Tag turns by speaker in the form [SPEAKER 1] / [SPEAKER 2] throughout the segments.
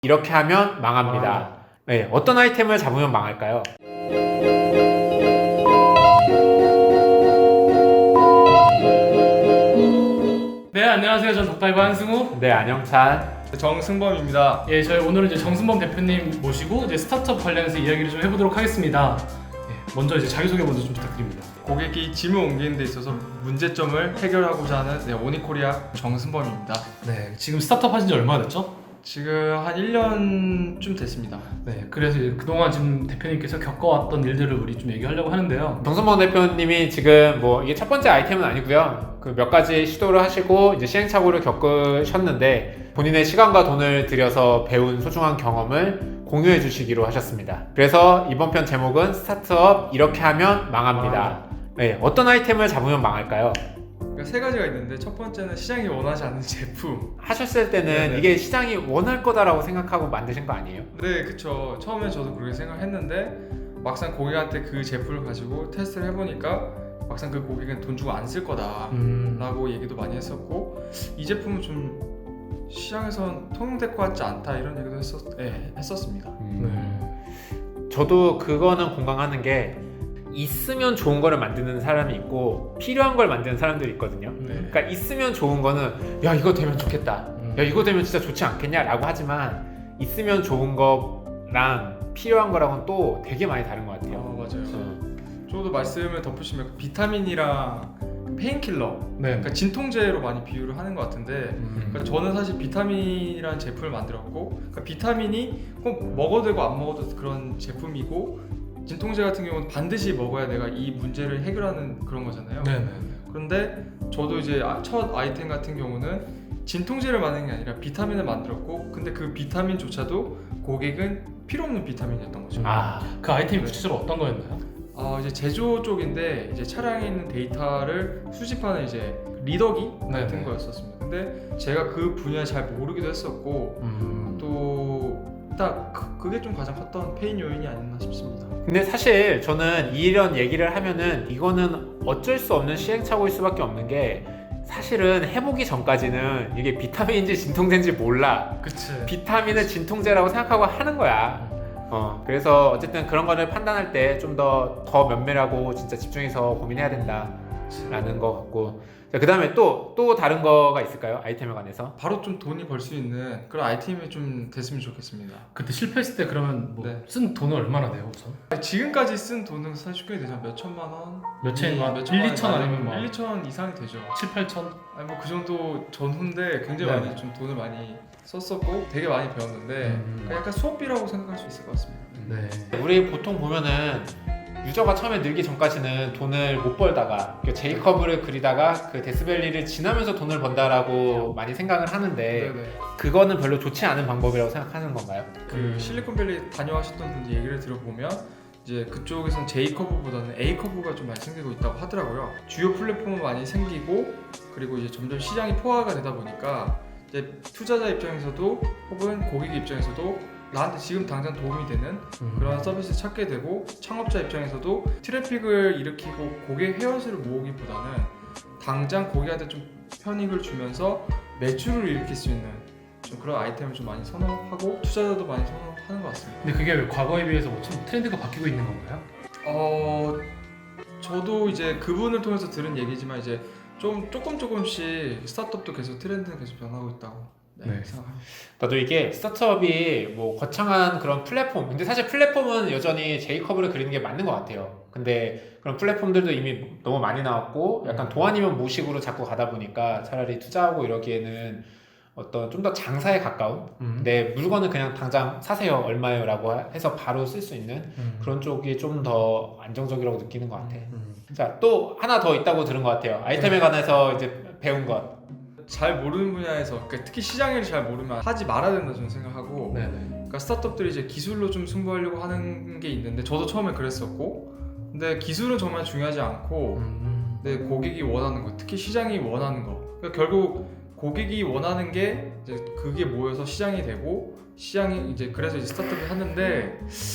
[SPEAKER 1] 이렇게 하면 망합니다. 네, 어떤 아이템을 잡으면 망할까요?
[SPEAKER 2] 네, 안녕하세요. 전 덕다이브 한승우.
[SPEAKER 1] 네, 안영찬.
[SPEAKER 3] 정승범입니다.
[SPEAKER 2] 예, 저희 오늘은 이제 정승범 대표님 모시고 이제 스타트업 관련해서 이야기를 좀 해보도록 하겠습니다. 예, 먼저 이제 자기소개 먼저 좀 부탁드립니다.
[SPEAKER 3] 고객이 짐을 옮기는 데 있어서 문제점을 해결하고자 하는 오니코리아 정승범입니다.
[SPEAKER 2] 네, 지금 스타트업 하신 지 얼마나 됐죠?
[SPEAKER 3] 지금 한 1년쯤 됐습니다.
[SPEAKER 2] 네, 그래서 이제 그동안 지금 대표님께서 겪어왔던 일들을 우리 좀 얘기하려고 하는데요.
[SPEAKER 1] 정승범 대표님이 지금 뭐 이게 첫 번째 아이템은 아니고요. 그 몇 가지 시도를 하시고 이제 시행착오를 겪으셨는데 본인의 시간과 돈을 들여서 배운 소중한 경험을 공유해 주시기로 하셨습니다. 그래서 이번 편 제목은 스타트업 이렇게 하면 망합니다. 네, 어떤 아이템을 잡으면 망할까요?
[SPEAKER 3] 그러니까 세 가지가 있는데 첫 번째는 시장이 원하지 않는 제품.
[SPEAKER 1] 하셨을 때는
[SPEAKER 3] 네네.
[SPEAKER 1] 이게 시장이 원할 거다라고 생각하고 만드신 거 아니에요?
[SPEAKER 3] 네, 그쵸. 처음에 저도 그렇게 생각했는데 막상 고객한테 그 제품을 가지고 테스트를 해보니까 막상 그 고객은 돈 주고 안 쓸 거다 라고 얘기도 많이 했었고, 이 제품은 좀 시장에선 통용될 것 같지 않다 이런 얘기도 했었습니다.
[SPEAKER 1] 저도 그거는 공감하는 게 있으면 좋은 거를 만드는 사람이 있고 필요한 걸 만드는 사람들이 있거든요. 그러니까 있으면 좋은 거는 야 이거 되면 좋겠다, 야 이거 되면 진짜 좋지 않겠냐 라고 하지만 있으면 좋은 거랑 필요한 거랑은 또 되게 많이 다른 것 같아요.
[SPEAKER 3] 맞아요. 저도 말씀을 덧붙이면 비타민이랑 페인킬러,
[SPEAKER 2] 네.
[SPEAKER 3] 그러니까 진통제로 많이 비유를 하는 것 같은데, 그러니까 저는 사실 비타민이라는 제품을 만들었고, 그러니까 비타민이 꼭 먹어도 되고 안 먹어도 그런 제품이고, 진통제 같은 경우는 반드시 먹어야 내가 이 문제를 해결하는 그런 거잖아요.
[SPEAKER 2] 네.
[SPEAKER 3] 그런데 저도 이제 첫 아이템 같은 경우는 진통제를 만드는 게 아니라 비타민을 만들었고, 근데 그 비타민조차도 고객은 필요 없는 비타민이었던 거죠.
[SPEAKER 2] 그 아이템이 구체적으로 어떤 거였나요?
[SPEAKER 3] 이제 제조 쪽인데 이제 차량에 있는 데이터를 수집하는 이제 리더기 같은
[SPEAKER 2] 네네.
[SPEAKER 3] 거였었습니다. 근데 제가 그 분야 잘 모르기도 했었고, 또 딱 그게 좀 가장 컸던 페인 요인이 아니었나 싶습니다.
[SPEAKER 1] 근데 사실 저는 이런 얘기를 하면은 이거는 어쩔 수 없는 시행착오일 수밖에 없는 게 사실은 해보기 전까지는 이게 비타민인지 진통제인지 몰라.
[SPEAKER 2] 그치.
[SPEAKER 1] 비타민을 진통제라고 생각하고 하는 거야. 그래서 어쨌든 그런 거를 판단할 때 좀 더 면밀하고 진짜 집중해서 고민해야 된다라는 거 같고, 그 다음에 또 다른 거가 있을까요? 아이템에 관해서?
[SPEAKER 3] 바로 좀 돈이 벌 수 있는 그런 아이템이 좀 됐으면 좋겠습니다.
[SPEAKER 2] 그때 실패했을 때 그러면 뭐
[SPEAKER 3] 네.
[SPEAKER 2] 쓴 돈은 얼마나 돼요 우선?
[SPEAKER 3] 지금까지 쓴 돈은 사실 꽤 되죠. 몇 천만 원?
[SPEAKER 2] 몇 천만?
[SPEAKER 3] 몇
[SPEAKER 2] 1, 2천 아니면 뭐
[SPEAKER 3] 1, 2천 이상이 되죠.
[SPEAKER 2] 7, 8천?
[SPEAKER 3] 아니 뭐 그 정도 전후인데 굉장히
[SPEAKER 2] 네.
[SPEAKER 3] 많이 좀 돈을 많이 썼었고 되게 많이 배웠는데 그냥 약간 수업비라고 생각할 수 있을 것 같습니다.
[SPEAKER 2] 네.
[SPEAKER 1] 우리 보통 보면은 유저가 처음에 늘기 전까지는 돈을 못 벌다가 제이커브를 그리다가 그 데스밸리를 지나면서 돈을 번다라고 많이 생각을 하는데
[SPEAKER 3] 네네.
[SPEAKER 1] 그거는 별로 좋지 않은 방법이라고 생각하는 건가요?
[SPEAKER 3] 그 실리콘밸리 다녀와셨던 분들 얘기를 들어보면 이제 그쪽에선 J커브보다는 A커브가 좀 많이 생기고 있다고 하더라고요. 주요 플랫폼은 많이 생기고, 그리고 이제 점점 시장이 포화가 되다 보니까 이제 투자자 입장에서도 혹은 고객 입장에서도 나한테 지금 당장 도움이 되는 그런 서비스를 찾게 되고, 창업자 입장에서도 트래픽을 일으키고 고객 회원수를 모으기보다는 당장 고객한테 좀 편익을 주면서 매출을 일으킬 수 있는 좀 그런 아이템을 좀 많이 선호하고 투자자도 많이 선호하는 것 같습니다.
[SPEAKER 2] 근데 그게 왜 과거에 비해서 뭐 좀 트렌드가 바뀌고 있는 건가요?
[SPEAKER 3] 저도 이제 그분을 통해서 들은 얘기지만 이제 좀 조금씩 스타트업도 계속 트렌드는 계속 변하고 있다고
[SPEAKER 2] 네.
[SPEAKER 3] 생각합니다.
[SPEAKER 1] 나도 이게 스타트업이 뭐 거창한 그런 플랫폼, 근데 사실 플랫폼은 여전히 제이커브를 그리는 게 맞는 것 같아요. 근데 그런 플랫폼들도 이미 너무 많이 나왔고 약간 도안이면 무식으로 자꾸 가다 보니까 차라리 투자하고 이러기에는 어떤 좀 더 장사에 가까운 내 물건을 그냥 당장 사세요 얼마예요 라고 해서 바로 쓸 수 있는 그런 쪽이 좀 더 안정적이라고 느끼는 것 같아. 자, 또 하나 더 있다고 들은 것 같아요. 아이템에 관해서 이제 배운 것.
[SPEAKER 3] 잘 모르는 분야에서, 그러니까 특히 시장을 잘 모르면 하지 말아야 된다 저는 생각하고,
[SPEAKER 2] 네네.
[SPEAKER 3] 그러니까 스타트업들이 이제 기술로 좀 승부하려고 하는 게 있는데 저도 처음에 그랬었고, 근데 기술은 정말 중요하지 않고 내 고객이 원하는 거, 특히 시장이 원하는 거, 그러니까 결국 고객이 원하는 게 이제 그게 모여서 시장이 되고, 시장이 이제 그래서 이제 스타트업을 하는데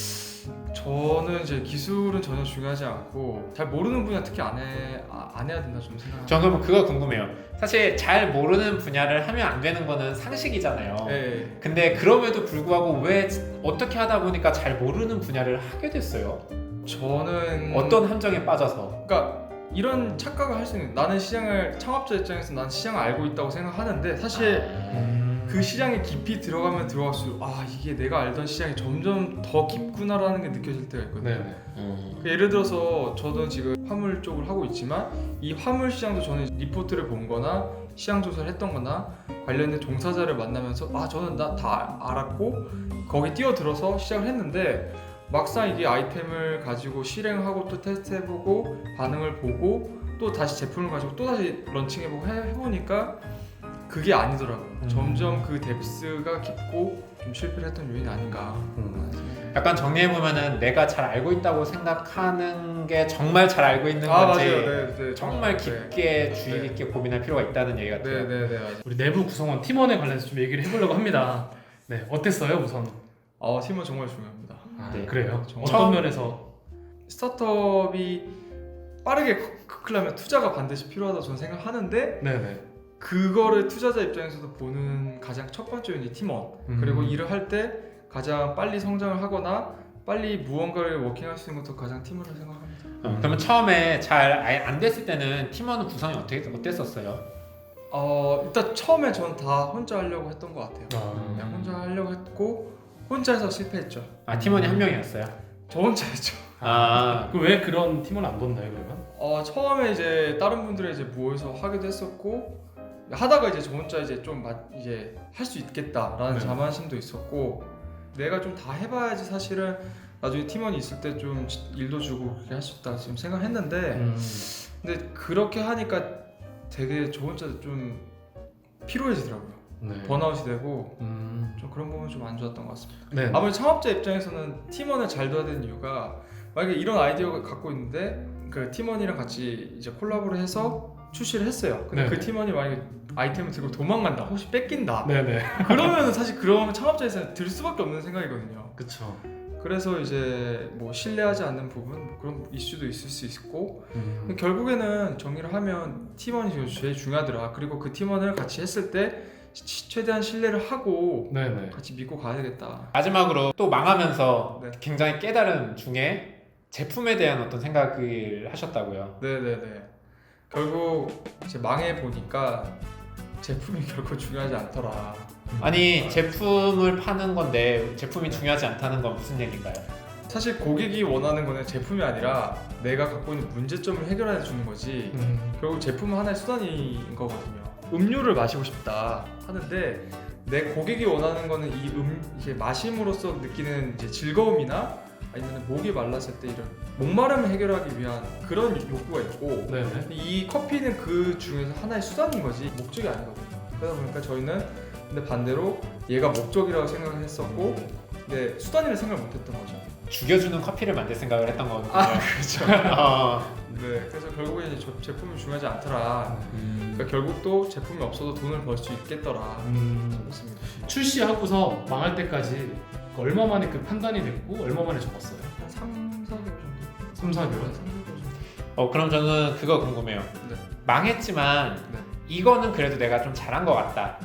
[SPEAKER 3] 저는 이제 기술은 전혀 중요하지 않고 잘 모르는 분야 특히 안 해야 된다 좀 생각합니다.
[SPEAKER 1] 전 그럼 그거 궁금해요. 사실 잘 모르는 분야를 하면 안 되는 거는 상식이잖아요.
[SPEAKER 3] 네.
[SPEAKER 1] 근데 그럼에도 불구하고 왜 어떻게 하다 보니까 잘 모르는 분야를 하게 됐어요?
[SPEAKER 3] 저는
[SPEAKER 1] 어떤 함정에 빠져서?
[SPEAKER 3] 그러니까 이런 착각을 할 수 있는 나는 시장을 창업자 입장에서 난 시장을 알고 있다고 생각하는데 사실 그 시장에 깊이 들어가면 들어갈수록 이게 내가 알던 시장이 점점 더 깊구나라는 게 느껴질 때가 있거든요.
[SPEAKER 2] 네네.
[SPEAKER 3] 그 예를 들어서 저도 지금 화물 쪽을 하고 있지만 이 화물 시장도 저는 리포트를 본 거나 시장 조사를 했던 거나 관련된 종사자를 만나면서 저는 다 알았고 거기 뛰어들어서 시작을 했는데 막상 이게 아이템을 가지고 실행하고 또 테스트해보고 반응을 보고 또 다시 제품을 가지고 또 다시 런칭해보고 해보니까 그게 아니더라고요. 점점 그 뎁스가 깊고 좀 실패를 했던 요인이 아닌가.
[SPEAKER 1] 약간 정리해보면은 내가 잘 알고 있다고 생각하는 게 정말 잘 알고 있는 건지
[SPEAKER 3] 맞아요. 네.
[SPEAKER 1] 정말 깊게 주의 깊게 고민할 필요가 있다는 얘기 같아요.
[SPEAKER 3] 네, 맞아요.
[SPEAKER 2] 우리 내부 구성원 팀원에 관련해서 좀 얘기를 해보려고 합니다. 네, 어땠어요 우선?
[SPEAKER 3] 팀은 정말 중요합니다.
[SPEAKER 1] 네.
[SPEAKER 2] 그래요?
[SPEAKER 3] 정말.
[SPEAKER 2] 어떤 면에서?
[SPEAKER 3] 스타트업이 빠르게 크려면 투자가 반드시 필요하다고 저는 생각하는데
[SPEAKER 2] 네네.
[SPEAKER 3] 그거를 투자자 입장에서도 보는 가장 첫 번째 요인이 팀원. 그리고 일을 할 때 가장 빨리 성장을 하거나 빨리 무언가를 워킹할 수 있는 것도 가장 팀원을 생각합니다.
[SPEAKER 1] 그러면 처음에 잘 안 됐을 때는 팀원 구성이 어땠었어요?
[SPEAKER 3] 일단 처음에 저는 다 혼자 하려고 했던 것 같아요. 그냥
[SPEAKER 2] 음.
[SPEAKER 3] 혼자 하려고 했고 혼자 해서 실패했죠.
[SPEAKER 1] 팀원이 한 명이었어요?
[SPEAKER 3] 저 혼자 했죠.
[SPEAKER 2] 왜 그런 팀원 안 뒀나요 그러면?
[SPEAKER 3] 처음에 이제 다른 분들이 이제 모여서 하기도 했었고 하다가 이제 저 혼자 이제 좀 이제 할 수 있겠다라는
[SPEAKER 2] 네.
[SPEAKER 3] 자만심도 있었고 내가 좀 다 해봐야지 사실은 나중에 팀원이 있을 때 좀 일도 주고 그렇게 할 수 있다 지금 생각했는데 근데 그렇게 하니까 되게 저 혼자 좀 피로해지더라고요.
[SPEAKER 2] 네.
[SPEAKER 3] 번아웃이 되고 좀 그런 부분 좀 안 좋았던 것 같습니다.
[SPEAKER 2] 네.
[SPEAKER 3] 아무래도 창업자 입장에서는 팀원을 잘 둬야 되는 이유가 만약에 이런 아이디어를 갖고 있는데 그 팀원이랑 같이 이제 콜라보를 해서 출시를 했어요. 근데
[SPEAKER 2] 네네.
[SPEAKER 3] 그 팀원이 만약에 아이템을 들고 도망간다, 혹시 뺏긴다.
[SPEAKER 2] 네네.
[SPEAKER 3] 그러면은 사실 그런 창업자에서는 들 수밖에 없는 생각이거든요.
[SPEAKER 2] 그쵸.
[SPEAKER 3] 그래서 이제 뭐 신뢰하지 않는 부분 뭐 그런 이슈도 있을 수 있고 결국에는 정리를 하면 팀원이 제일 중요하더라. 그리고 그 팀원을 같이 했을 때 최대한 신뢰를 하고
[SPEAKER 2] 네네.
[SPEAKER 3] 같이 믿고 가야 되겠다.
[SPEAKER 1] 마지막으로 또 망하면서
[SPEAKER 3] 네.
[SPEAKER 1] 굉장히 깨달은 중에 제품에 대한 어떤 생각을 하셨다고요?
[SPEAKER 3] 네네네. 결국 이제 망해 보니까 제품이 결코 중요하지 않더라.
[SPEAKER 1] 아니 제품을 파는 건데 제품이 중요하지 않다는 건 무슨 얘기인가요?
[SPEAKER 3] 사실 고객이 원하는 거는 제품이 아니라 내가 갖고 있는 문제점을 해결해 주는 거지. 결국 제품은 하나의 수단인 거거든요. 음료를 마시고 싶다 하는데 내 고객이 원하는 거는 이게 마심으로써 느끼는 이제 즐거움이나 아니면 목이 말랐을 때 이런 목마름을 해결하기 위한 그런 욕구가 있고
[SPEAKER 2] 네네.
[SPEAKER 3] 이 커피는 그 중에서 하나의 수단인 거지 목적이 아니거든요. 그러다 보니까 저희는 근데 반대로 얘가 목적이라고 생각을 했었고 근데 수단이라 생각을 못했던 거죠.
[SPEAKER 1] 죽여주는 커피를 만들 생각을 했던 거군요.
[SPEAKER 3] 그렇죠. 네, 그래서 결국에 이제 제품이 중요하지 않더라. 그러니까 결국 또 제품이 없어도 돈을 벌 수 있겠더라. 그렇습니다.
[SPEAKER 2] 출시하고서 망할 때까지 얼마 만에 그 판단이 됐고 얼마 만에 접었어요?
[SPEAKER 3] 한 3, 4개월 정도.
[SPEAKER 2] 3, 4개월?
[SPEAKER 3] 3, 4개월 정도.
[SPEAKER 1] 그럼 저는 그거 궁금해요.
[SPEAKER 3] 네.
[SPEAKER 1] 망했지만
[SPEAKER 3] 네.
[SPEAKER 1] 이거는 그래도 내가 좀 잘한 것 같다.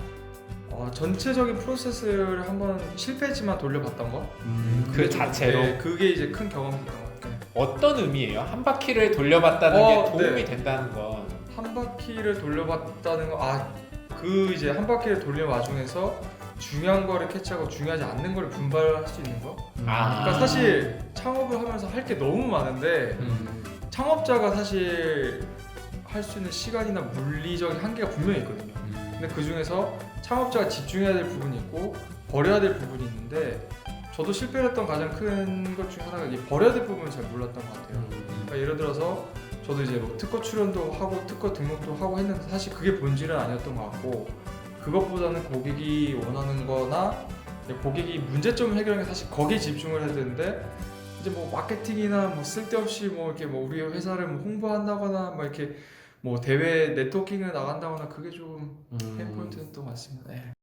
[SPEAKER 3] 전체적인 프로세스를 한번 실패했지만 돌려봤던 거.
[SPEAKER 1] 그 자체로
[SPEAKER 3] 네, 그게 이제 큰 경험이었던 것 같아요.
[SPEAKER 1] 어떤 의미예요? 한 바퀴를 돌려봤다는 게 도움이
[SPEAKER 3] 네.
[SPEAKER 1] 된다는 건
[SPEAKER 3] 한 바퀴를 돌려봤다는 거, 그 이제 한 바퀴를 돌려 와중에서 중요한 거를 캐치하고 중요하지 않는 거를 분발할 수 있는 거. 그러니까 사실 창업을 하면서 할 게 너무 많은데 창업자가 사실 할 수 있는 시간이나 물리적인 한계가 분명히 있거든요. 근데 그 중에서 창업자가 집중해야 될 부분이 있고 버려야 될 부분이 있는데 저도 실패를 했던 가장 큰 것 중에 하나가 이 버려야 될 부분을 잘 몰랐던 것 같아요. 그러니까 예를 들어서 저도 이제 뭐 특허 출연도 하고 특허 등록도 하고 했는데 사실 그게 본질은 아니었던 것 같고 그것보다는 고객이 원하는 거나 고객이 문제점을 해결하는 게 사실 거기에 집중을 해야 되는데 이제 뭐 마케팅이나 뭐 쓸데없이 뭐 이렇게 뭐 우리 회사를 뭐 홍보한다거나 뭐 이렇게 뭐 대회 네트워킹을 나간다거나 그게 좀 페인 포인트였던 것 같습니다. 네.